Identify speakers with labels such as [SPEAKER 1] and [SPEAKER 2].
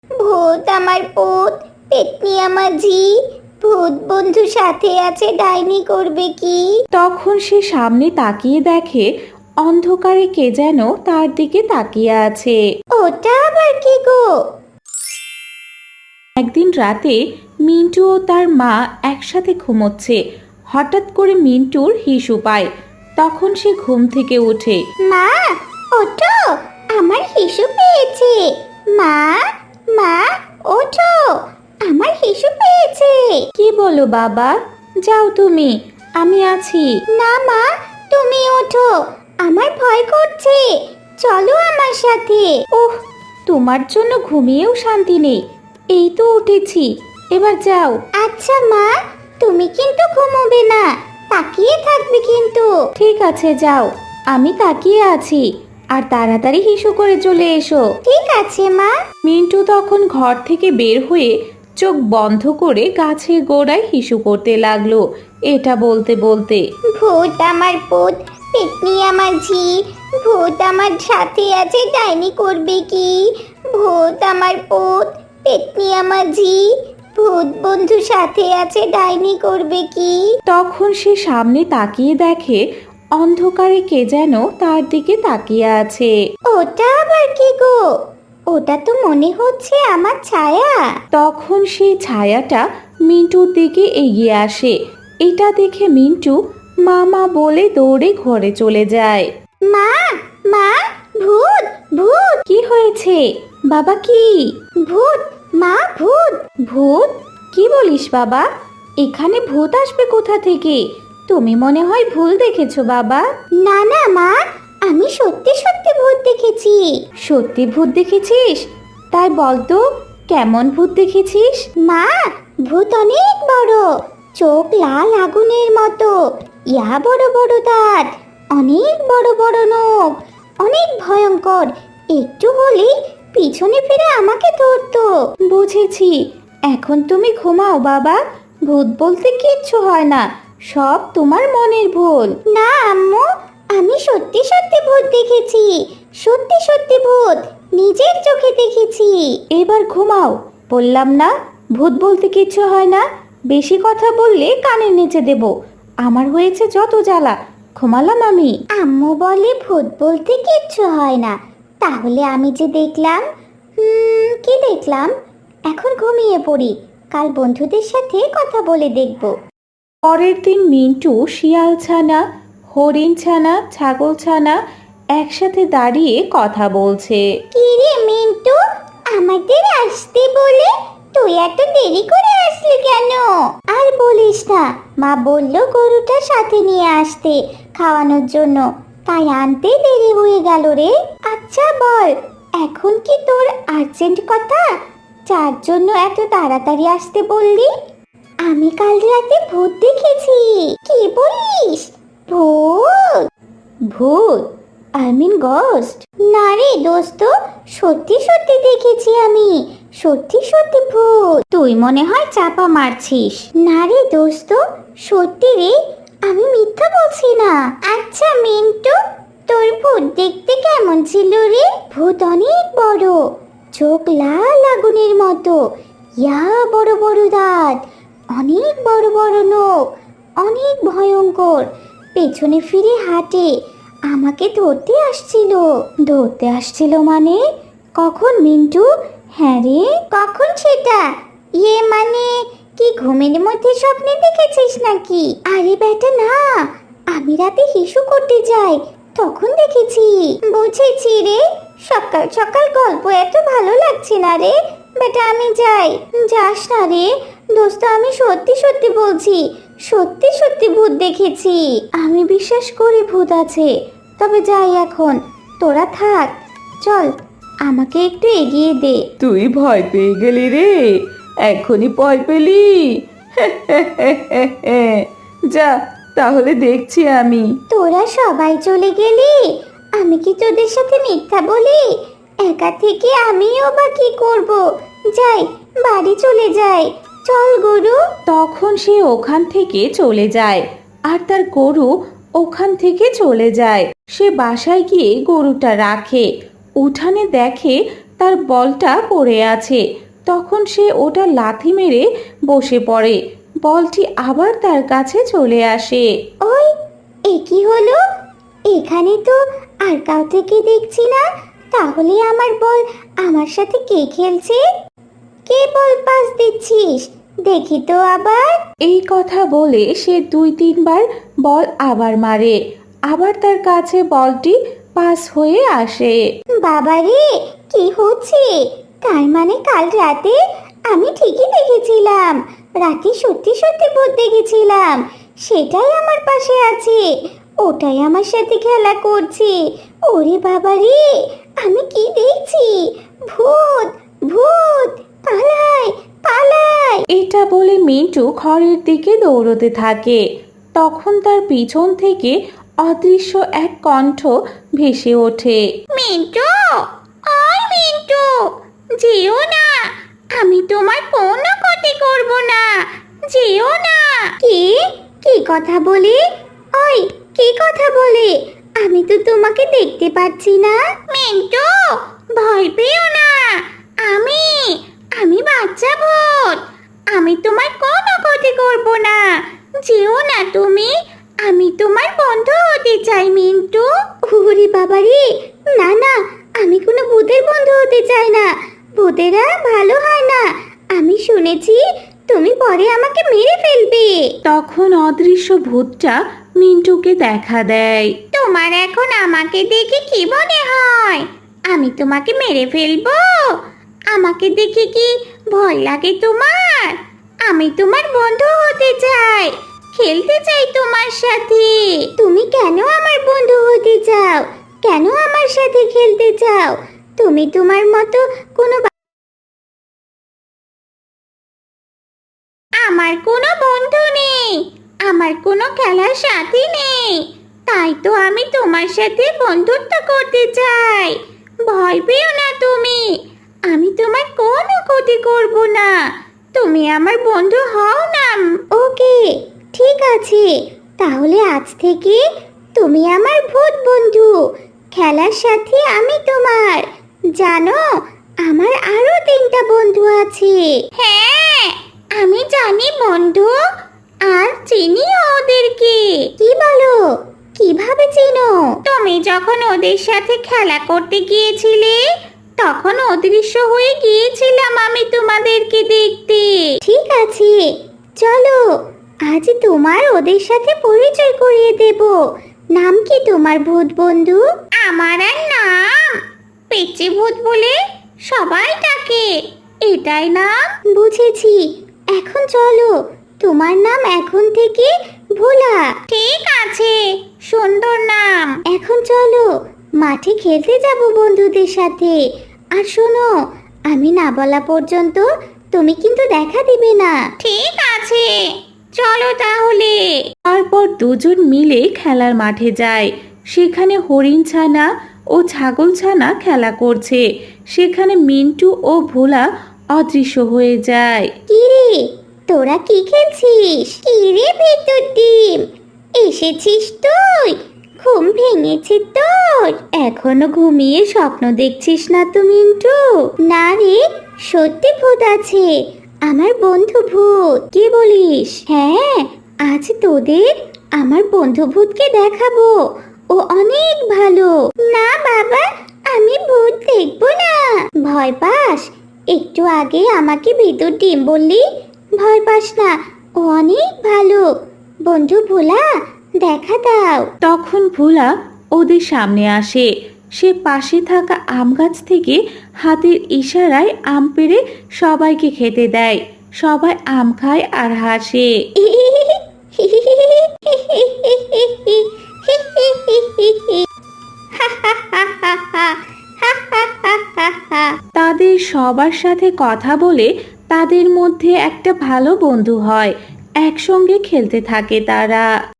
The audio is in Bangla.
[SPEAKER 1] ভূত আমার পুত, পেতনি আমার ঝি, ভূত বন্ধু সাথে আছে, ডাইনি করবে কি?
[SPEAKER 2] তখন সে সামনে তাকিয়ে দেখে অন্ধকারে কে যেন তার দিকে তাকিয়ে আছে।
[SPEAKER 1] ওটা আবার কি গো?
[SPEAKER 2] একদিন রাতে মিন্টু ও তার মা একসাথে ঘুমোচ্ছে। হঠাৎ করে মিন্টুর হিসু পায়। তখন সে ঘুম থেকে ওঠে।
[SPEAKER 1] মা, ওঠো, আমার হিসু পেয়েছে। মা, মা, ওঠো, আমার হিসু পেয়েছে।
[SPEAKER 2] কি বলো বাবা? যাও তুমি, আমি আছি।
[SPEAKER 1] না মা, তুমি ওঠো, আমার ভয় করছে, চলো আমার সাথে।
[SPEAKER 2] ওহ, তোমার জন্য ঘুমিয়েও শান্তি নেই। এই তো উঠেছি, এবার যাও।
[SPEAKER 1] আচ্ছা মা, তুমি কিন্তু ঘুমোবে না, তাকিয়ে থাকবে কিন্তু।
[SPEAKER 2] ঠিক আছে, যাও, আমি তাকিয়ে আছি। আর তাড়াতাড়ি হিসু করে চলে এসো।
[SPEAKER 1] ঠিক আছে মা।
[SPEAKER 2] মিন্টু তখন ঘর থেকে বের হয়ে চোখ বন্ধ করে গাছের গোড়ায় হিসু করতে লাগলো, এটা বলতে বলতে।
[SPEAKER 1] ভূত আমার পুত, পেতনি আমার ঝি, ভূত আমার সাথে আছে, ডাইনি করবে কি? ভূত আমার পুত, পেতনি আমার ঝি, ভূত বন্ধু সাথে আছে, ডাইনি করবে কি?
[SPEAKER 2] তখন সে সামনে তাকিয়ে দেখে অন্ধকারে কে যেন তার দিকে তাকিয়ে আছে।
[SPEAKER 1] ওটা আবার কি গো? ওটা তো মনে হচ্ছে আমার ছায়া।
[SPEAKER 2] তখন সেই ছায়াটা মিন্টুর দিকে এগিয়ে আসে। এটা দেখে মিন্টু মামা বলে দৌড়ে ঘরে চলে যায়।
[SPEAKER 1] মা, মা, ভূত, ভূত,
[SPEAKER 2] কি হয়েছে বাবা? কি
[SPEAKER 1] ভূত, মা, ভূত।
[SPEAKER 2] ভূত? কি বলিস বাবা? এখানে ভূত আসবে কোথা থেকে? তুমি মনে হয় ভুল দেখেছো বাবা।
[SPEAKER 1] না না মা, আমি সত্যি সত্যি ভূত দেখেছি।
[SPEAKER 2] সত্যি ভূত দেখেছিস? তাই বলতো, কেমন ভূত দেখেছিস?
[SPEAKER 1] মা, ভূত অনেক বড়, চোখ লাল আগুনের মতো, ইয়া বড় বড় দাঁত, অনেক বড় বড় নখ, অনেক ভয়ঙ্কর। একটু হলেই পিছনে ফিরে আমাকে ধরতো।
[SPEAKER 2] বুঝেছি, এখন তুমি ঘুমাও বাবা। ভূত বলতে কিচ্ছু হয় না, সব তোমার মনের ভুল।
[SPEAKER 1] না আম্মু, আমি সত্যি সত্যি ভূত দেখেছি, সত্যি সত্যি ভূত, নিজের চোখে দেখেছি।
[SPEAKER 2] এবার ঘুমাও, বললাম না? ভূত বলতে কিচ্ছু হয় না। বেশি কথা বললে কানের নিচে দেব। আমার হয়েছে যত জ্বালা। ঘুমালাম আমি।
[SPEAKER 1] আম্মু বলে ভূত বলতে কিচ্ছু হয় না, তাহলে আমি যে দেখলাম, কি দেখলাম? এখন ঘুমিয়ে পড়ি, কাল বন্ধুদের সাথে কথা বলে দেখব।
[SPEAKER 2] পরের দিন মিন্টু শিয়াল ছানা, হরিণ ছানা, ছাগল ছানা একসাথে দাঁড়িয়ে কথা বলছে।
[SPEAKER 1] কি রে মিন্টু, আমাদের আসতে বলে তুই এত দেরি করে আসলি কেন? আর বলিস না, মা বলল গরুটা সাথে নিয়ে আসতে খাওয়ানোর জন্য, তাই আনতে দেরি হয়ে গেল রে। আচ্ছা বল, এখন কি তোর আর্জেন্ট কথা, যার জন্য এত তাড়াতাড়ি আসতে বললি? আমি কাল রাতে ভূত দেখেছি। কি বলিস? ভূত?
[SPEAKER 2] ভূত? I mean ghost.
[SPEAKER 1] না রে দোস্ত, সত্যি সত্যি দেখেছি আমি, সত্যি সত্যি ভূত। তুই মনে হয় চাপা মারছিস। না রে দোস্ত, সত্যি রে, আমি মিথ্যা বলছি না। আচ্ছা মিন্টু, তোর ভূত দেখতে কেমন ছিল রে? ভূত অনেক বড়, চোখ লাল আগুনের মতো, ইয়া বড় বড় দাঁত, অনেক বড় বড় নখ, অনেক ভয়ঙ্কর, পেছনে ফিরে হাঁটে, আমাকে ধরতে আসছিল।
[SPEAKER 2] ধরতে আসছিল মানে? কখন মিন্টু?
[SPEAKER 1] হ্যাঁ রে, কখন সেটা? ইয়ে মানে, কি ঘুমের মধ্যে স্বপ্নে দেখেছিস নাকি? আরে বেটা না, আমি রাতে হিসু করতে যাই, তখন দেখেছি। বুঝেছি রে, সকাল সকাল গল্প এত ভালো লাগছে না রে, বেটা আমি যাই। যাস না রে দোস্ত, আমি সত্যি সত্যি বলছি, সত্যি সত্যি ভূত দেখেছি।
[SPEAKER 2] আমি বিশ্বাস করি ভূত আছে, তবে যাই এখন, তোরা থাক। চল, আমাকে একটু এগিয়ে দে।
[SPEAKER 3] তুই ভয় পেয়ে গেলি রে? এখনই ভয় পেলি? যা, তাহলে দেখছি আমি।
[SPEAKER 1] তোরা সবাই চলে গেলি, আমি কি তোদের সাথে মিথ্যা বলি? একা থেকে আমিও বা কি করব? যাই, বাড়ি চলে যাই। চল গরু।
[SPEAKER 2] তখন সে ওখান থেকে চলে যায়, আর তার গরু ওখান থেকে চলে যায়। সে বাসায় গিয়ে গরুটা রাখে, উঠানে দেখে তার বলটা পড়ে আছে। তখন সে ওটা লাথি মেরে বসে পড়ে। বলটি আবার তার কাছে চলে আসে।
[SPEAKER 1] ওই, এ কি হলো? এখানে তো আর কাউকে দেখছি না। তাহলে আমার বল আমার সাথে কে খেলছে? কে বল পাস দিচ্ছিস? দেখি তো আবার।
[SPEAKER 2] এই কথা বলে সে 2-3 বার বল আবার মারে। আবার তার কাছে বলটি পাস হয়ে আসে।
[SPEAKER 1] বাবারে, কি হচ্ছে? তার মানে কাল রাতে আমি ঠিকই দেখেছিলাম। রাতে সত্যি সত্যি ভূত দেখেছিলাম। সেটাই আমার পাশে আছে। ওটাই আমার সাথে খেলা করছে। ওরে বাবারে, আমি কি দেখছি? ভূত! ভূত! পালাই, পালাই!
[SPEAKER 2] এটা বলে মিন্টু ঘরের দিকে দৌড়তে থাকে। তখন তার পিছন থেকে অদৃশ্য এক কণ্ঠ ভেসে ওঠে।
[SPEAKER 1] মিন্টু! ওই মিন্টু! যেও না! আমি তোমার কোনো ক্ষতি করব না। যেও না! কি কথা বলে? ওই, কি কথা বলে? আমি তো তোমাকে দেখতে পাচ্ছি না। মিন্টু, ভয় পেও না। আমি আমি বাচ্চা ভূত। আমি তোমার কোনো ক্ষতি করব না। যেও না তুমি। আমি তোমার বন্ধু হতে চাই মিন্টু। ওরে বাবারে, না না, আমি কোনো ভূতের বন্ধু হতে চাই না। ভূতেরা ভালো হয় না। আমি শুনেছি তুমি পরে আমাকে মেরে ফেলবে।
[SPEAKER 2] তখন অদৃশ্য ভূতটা মিন্টুকে দেখা দেয়।
[SPEAKER 1] তোমার এখন আমাকে দেখে কি মনে হয়? আমি তোমাকে মেরে ফেলবো? আমাকে দেখে কি ভয় লাগে তোমার? আমি তোমার বন্ধু হতে চাই, খেলতে চাই তোমার সাথে। তুমি কেন আমার বন্ধু হতে চাও? কেন আমার সাথে খেলতে চাও? তুমি তোমার মতো কোনো আমার কোনো বন্ধু নেই, আমার কোনো খেলার সাথী নেই। তাই তো আমি তোমার সাথে বন্ধুত্ব করতে চাই। ভয় পেও না তুমি। আমি তোমার কোনো ক্ষতি করব না। তুমি আমার বন্ধু হও না। ওকে, ঠিক আছে। তাহলে আজ থেকে তুমি আমার ভূত বন্ধু। খেলার সাথে আমি তোমার। জানো, আমার আরো 3টা বন্ধু আছে। হ্যাঁ, আমি জানি বন্ধু, আর চিনি ওদেরকে। কি বলো? কিভাবে চিনো? তুমি যখন ওদের সাথে খেলা করতে গিয়েছিলে, তখন অদৃশ্য হয়ে গিয়েছিলাম আমি তোমাদেরকে দেখতে। ঠিক আছে, চলো আজ তোমার ওদের সাথে পরিচয় করিয়ে দেব। নাম কি তোমার ভূত বন্ধু? আমার আর নাম পেচে ভূত বলে সবাই ডাকে। এটাই নাম? বুঝেছি। এখন চলো, তোমার নাম এখন থেকে ভোলা। ঠিক আছে, সুন্দর নাম। এখন চলো, মাঠে খেলতে যাব বন্ধুদের সাথে। আর শোনো, আমি না বলা পর্যন্ত তুমি কিন্তু দেখা দিবে না। ঠিক আছে, চলো তাহলে।
[SPEAKER 2] তারপর দুজন মিলে খেলার মাঠে যায়। সেখানে হরিণ ছানা ও ছাগল ছানা খেলা করছে। সেখানে মিন্টু ও ভোলা অদৃশ্য হয়ে যায়।
[SPEAKER 1] কি রে, তোরা কি খেলছিস? কি রে ভেতর ডিম, এসেছিস তুই? ঘুম ভেঙেছে তোর? এখনো ঘুমিয়ে স্বপ্ন দেখছিস না তো মিন্টু? না রে, সত্যি ভূত আছে, আমার বন্ধু ভূত। কি বলিস? হ্যাঁ, আজ তোদের আমার বন্ধু ভূতকে দেখাবো। ও অনেক ভালো। না বাবা, আমি ভূত দেখবো না। ভয় পাস? একটু আগে আমাকে ভিতর ডিম বললি। ভয় পাস না, ও অনেক ভালো। বন্ধু ভোলা, দেখা দাও।
[SPEAKER 2] তখন ভোলা ওদের সামনে আসে। সে পাশে থাকা আম গাছ থেকে হাতের ইশারায় আম পেড়ে সবাইকে খেতে দেয়। সবাই আম খায় আর হাসে। তাদের সবার সাথে কথা বলে তাদের মধ্যে একটা ভালো বন্ধু হয়। একসঙ্গে খেলতে থাকে তারা।